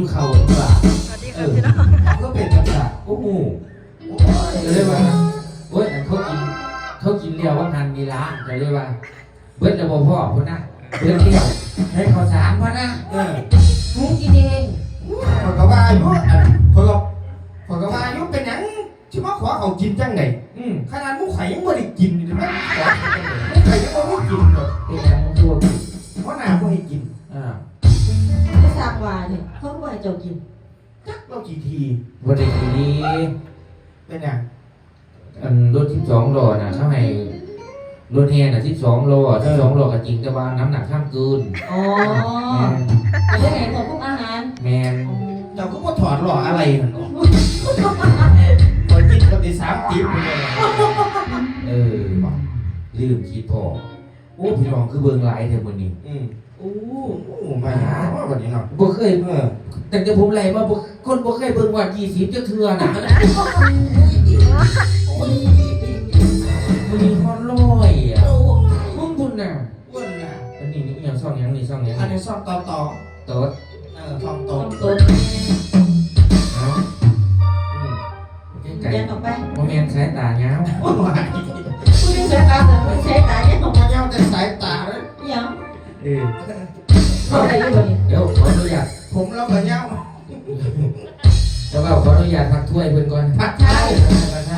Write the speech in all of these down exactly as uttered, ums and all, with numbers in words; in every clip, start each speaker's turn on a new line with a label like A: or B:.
A: เขาหรือเปล่าเออก็เป็นกระดาษโอ้โหจะเรียกว่าโอ้ยเขากินเขากินเดียวว่าพันมีล้านจะเรียกว่าเบิ้ลจะบอกพ่อพ่อนะเบิ้ลเดียวให้เขาสามพ่อนะเออมุ้งกินเองพอกว่าอายุพอกพอกว่าอายุเป็นยังที่มาขอเขากินจังไงขนาดมุ้งไข่ยังไม่ได้กินเลยนะมุ้งไข่ยังไม่ได้กินเลยเป็นยังมุ้งตัวกินเพราะหน้าไม่ให้กินอ่า
B: ก็สากว่าเนี่ยเขาไม่ให้เจ้ากิน
A: จักเรากี่ทีวันนี้ทีนี้เป็นยังอันรถที่สองโลน่ะเขาให้รถแห่น่ะที่สองโลที่สองโลก็จริงแต่ว่าน้ำหนักข้ามเกิน
B: อ๋อไม่ได้เห็นของพวกอาหาร
A: แมนเจ้าก็ว่าถอดหล่ออะไรนั่นหรอพอกินก็ได้สามติ๊บเลยเออลืมคิดพอโอ้พี่น้องคือเบิ่งไลน์เท่าวันนี้อืมโอ้โหมาหาว่าวันนี้เนาะบ่เคยเออแต่จะผมไล่มาบ่คนบ่เคยเบิ่งว่ายี่สิบจะเทื่อน่ะมันมีฮอนลอยอ่ะมึงบุญน่ะบุญน่ะอันนี้นี่อย่างซ่องยังนี่ซ่องยังอันนี้ซ่องต่อต่อโต๊ดเออซ่องโต๊ดโต๊ดเนาะอืม
B: เดินออกไป
A: โมเมนต์สายตาเงา
B: คุณนี่สายตาแต่สายตาเนี่ยออกมา
A: เงาแต่สายตาเลย
B: ยัง
A: เออ
B: อะไรอยู่บ่นี่
A: เดี๋ยวขออนุญาตผมเราก็เงาแล้วก็ขออนุญาตพักถ้วยเพื่อนก่อนพักใช่พักใช่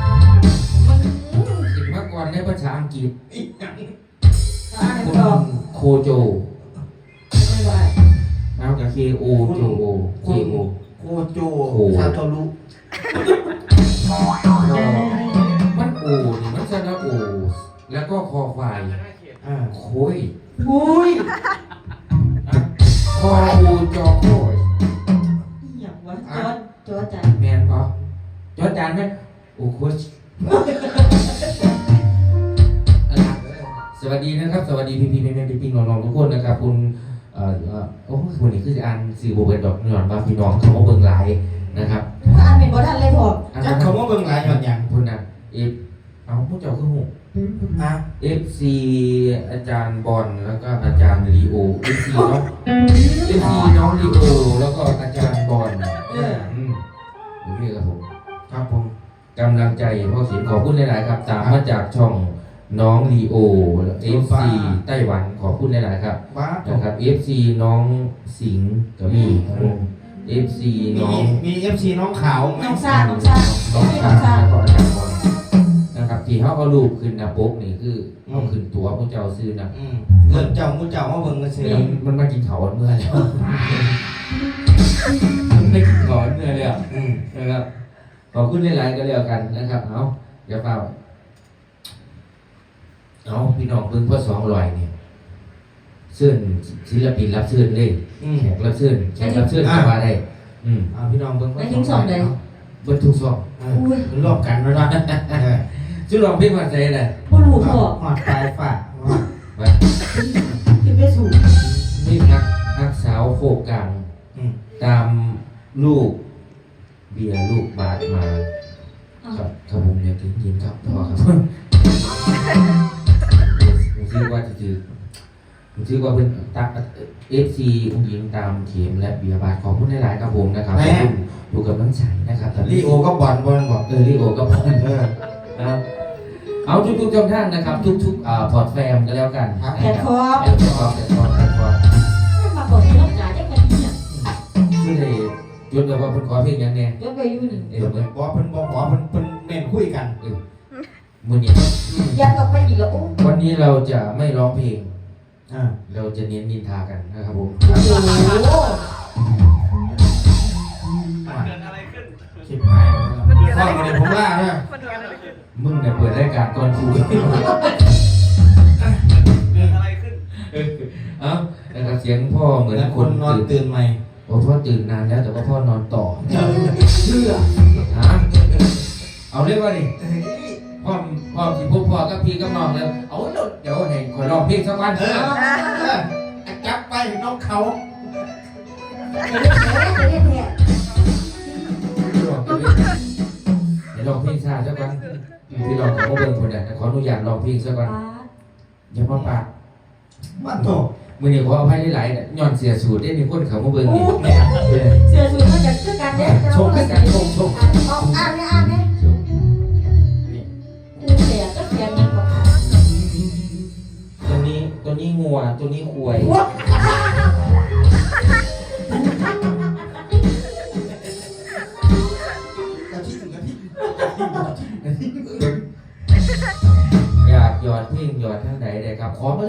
A: สิบมากกว่าในภาษาอังกฤษคุณโคโจเอากับเคโอโจโอเคโอโคโจซาโตรุมันโอนี่มันจะละโอแล้วก็คอควายโค้ยโค้ยคออูจอโค้ย
B: อย่างวะจอดจอดจาน
A: แมนปะจอดจานไหมโอ้โค้ยสวัสดีนะครับสวัสดีพี่พี่แม่แม่พี่พี่น้องๆทุกคนนะครับคุณเอ่อโอ้วันนี้คือจะอ่านสื่อโบเบิร์ดดอกหย่อนว่าพี่น้องเขามาเบิ่งไลน์นะครับ
B: อ่านเป็นบททันเลยพอ
A: จะเขามาเบิ่งไลน์หย่อนอย่างคุณนะเอฟเอาผู้เจ้าคือหูนะเอฟซีอาจารย์บอลแล้วก็อาจารย์ลีโอเอฟซีน้องเอฟซีน้องลีโอแล้วก็อาจารย์บอลอืมโอเคครับผมครับผมกำลังใจพ่อเสียงขอบคุณหลายๆครับตามมาจากช่องน้องลีโอ เอฟ ซี ไต้หวันขอบคุณหลายๆครับนะครับ เอฟ ซี น้องสิงห์ก็มี เอฟ ซี น้องมี เอฟ ซี น้องขาว
B: น้องซ่าน้องซ่า
A: น้องซ่าแล้วก็อาจารย์บอลนะครับที่เขาเอารูปขึ้นหน้าปกนี่คือเอาขึ้นตัวพวกเจ้าซื้อนะเงินเจ้ามุเจ้ามาเบิ่งกันซื้อมันมากินเขาเมื่อแล้วมันไม่กินเขาเมื่อเลยอ่ะนะครับขอบคุณหลายๆก็แล้วกันนะครับเอาอย่าเฝ้าเอาพี่น้องเพิ่งพ่อสองลอยเนี่ยเสื้อศิลปินรับเสื้อเลยแขกรับเสื้อแขกรับเสื้อสบายได้อืมเอาพี่น้องเพิ่งพ่อสองลอยเบิ้ลทุกซองมันรอบกันแล้วนะชื่อลองพี่มาใจเลย
B: พ่อหนูพ่อ
A: หอดปลายฝ่าไป
B: ที่ไม่สูง
A: นี่นักนักสาวโคกลางตามลูกเบียร์ลูกบาทมาครับครับผมอยากถึงยินครับพ่อครับผมชื่อว่าจะจือผมชื่อว่าเป็นตักเอฟซีองค์หญิงตามเข็มและเบียร์บาทขอบคุณหลายๆครับผมนะครับขอบคุณอยู่กับน้องชายนะครับลีโอก็บอลบอลบอกเออลีโอก็บอลเออครับเอาทุกๆช่องทางนะครับทุกๆพอร์ตแฟมก็แล้วกัน
B: แพลตฟอร์ม
A: แพลตฟอร์มแพลตฟอร์มแพลตฟอร์ม
B: มาบอกที่น้องจ๋าได้กันเนี่ย
A: คือได้ยศเลยว่าเพิ่นขอเพลงยังไง
B: ยศไปอยู่หนึ่ง
A: เออเพิ่นบอกเพิ่นบอกขอเพิ่นเพิ่นเน้นคุยกันเออมื้อนี้
B: ยันออกไปอีกแล้ว
A: วันนี้เราจะไม่ร้องเพลงอ่าเราจะเน้นนินทากันนะครับผม
B: โอ้โห
A: เกิดอะไรขึ้นชิบหายฟังมาเลยผมว่าเนี่ยมึงเนี่ยเปิดรายการก่อนกูเกิดอะไรขึ้นเอ้านะครับเสียงพ่อเหมือนคนนอนตื่นใหม่โอ้พ่อตื่นนานแล้วแต่ว่าพ่อนอนต่อเชื่อฮะเอาเรียกว่านี่พ่อพ่อที่พบพ่อกับพี่กับน้องแล้วเอาเดี๋ยวให้ขอร้องเพลงสักวันเออจับไปน้องเขาเดี๋ยวลองเพลงชาสักวันพี่ลองขอเบิ่งคนเนี่ยขออนุญาตลองเพลงสักวันอย่ามาปากบ้านโตมือนี่ขออภัยหลายๆย้อนเสียสูตรได้มีคนเขามาเบิ่งนี่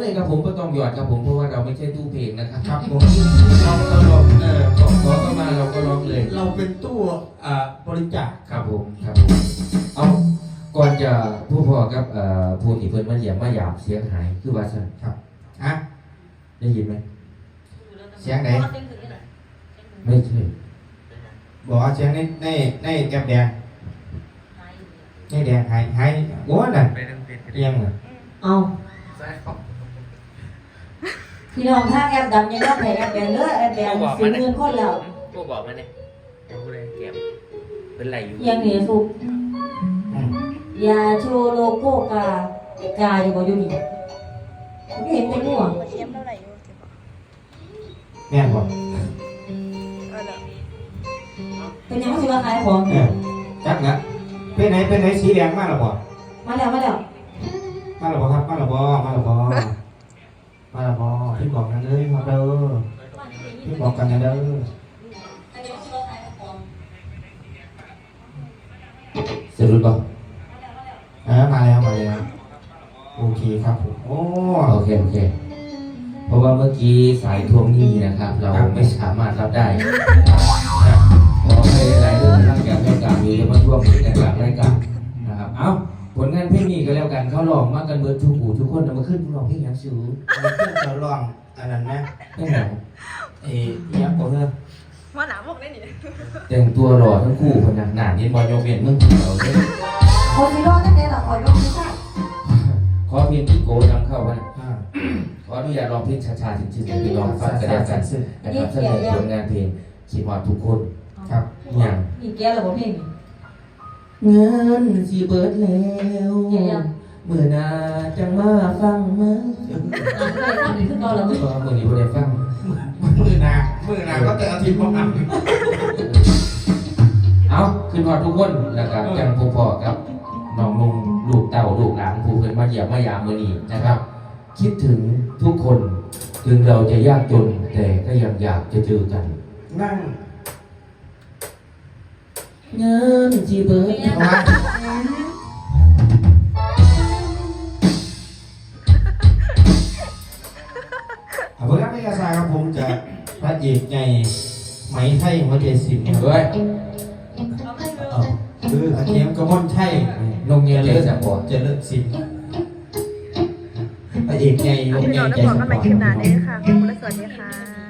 A: เลยครับผมก็ต้องหยอดครับผมเพราะว่าเราไม่ใช่ตู้เพลงนะครับ
C: ครับผม
A: เราก็ร้องเออขอขอเข้ามาเราก็ร้องเลย
C: เราเป็นตู้อ่าบริจาค
A: ครับผมครับผมเอาก่อนจะผู้พ่อกับเอ่อผู้ที่เพิ่นมาเยี่ยมมาหยาบเสียงหายคือว่าซั่น
C: ครับฮะ
A: ได้ยินไหม
C: เสียงไหน
A: ไม่ใช่
C: บอกว่าเสียงในในในแก้มแดงในแดงหายหายโอ้นั่นเอียงเลย
B: เอาพี่น้องถ้าแอปดำยังต้องแพ้แอปแดงเด้อแอปแดงสี่หมื่นคนแล้ว
A: ผู้บอกมาเนี่ยผู้ใดเก็บเป็นไรอยู่
B: ยังเหนียวสุก
C: อืม
B: ยาโชโลโก้กากาอยู่บ่อยู่นี่ไม่เห็นเป็นหัว
D: เทียมเท่าไหร่อยู่
C: แม่นบอก
D: เออเด้อ
B: เป็นยังไม่สิว่าขายของ
C: เออจักนะเป็นไหนเป็นไหนสีแดงมากหรอบ่
B: มาแล้วมาแล้ว
C: มาหรอบ่ครับมาหรอบ่มาหรอบ่มาหรอบ่พี่บอกกันเลยมาเด้อพี่บอกกันนะเด้อ
A: สรุปบ่
C: เออมาแล้วมาแล้วโอเคครับผมโอ้
A: โอเคโอเคเพราะว่าเมื่อกี้สายทวงหนี้นะครับ เราไม่สามารถรับได้ครับขอให้หลายๆเรื่องตั้งแต่รายการอยู่จะมาทวงหนี้ในหลังรายการนะครับเอ้าผลงานเพลงนี้ก็แล้วกันเขาลองมากันเบิดทุกหูทุกคนเอามาขึ้นลองเพลงหยังสู
C: มันขึ้นจะร้องอันนั้นนะ
A: เพลงไหน
C: เอ้ยยังบ่เด้อ
D: ว่าหนาบอกได้นี่
A: แต่งตัวหล่อทั้งคู่คนน่ะหนาเย็นบอลโยเวียนเมืองผีเราเนี่ย
B: คนที่รอดนั่นเองหรอคอยยกมือใส่
A: ขอเพลงที่โกนำเข้ามา
C: อ่า
A: ขออนุญาตร้องเพลงช้าๆจริงๆให้พี่น้องฟังกันแล้วกันนะครับเสนอผลงานเพลงคิดว่าทุกคน
C: ครับ
A: อย่าง
B: มีแก้วหรือเปล่าเพลง
A: เงินสีเบิดแล้วเมื่อนาจังมาฟังมั้ง
B: อ่านก็เลยทำดีขึ้นตอนละมึง
A: ก็เมื่อนี้บ่ได้ฟัง
C: มือหนามือหนาก็แต่อาทิตย์บ่อัน
A: เอาขึ้นฮอดทุกคนแล้วก็จังพอๆกับน้องนุ่มลูกเต่าลูกหลานผู้เพิ่นมาเยี่ยมมายามมื้อนี้นะครับ คิดถึงทุกคนถึงเราจะยากจนแต่ก็ยังอยากจะเจอกัน
C: นั่ง
A: เงินจีเบิร์ด
C: มาเอาเพื่อนไม่กระซาครับผมจะพระเอกไงไหมไทยหัวใจสิบ
A: เฮ้ย
C: เอาคืออาเทียมกระมอนไทย
A: นงเงียเลยสังบอ
C: เจริญสิบพระเอกไงลง
D: พี่
C: ไง
D: น้อง
C: ใจ
D: ต้องบอก
C: ส
D: กัน
C: ป
D: ใหม่
C: อร์
D: คลิปหน้า
C: ต
D: นี้ค่ะขอบคุณและสวัสดีค่ะ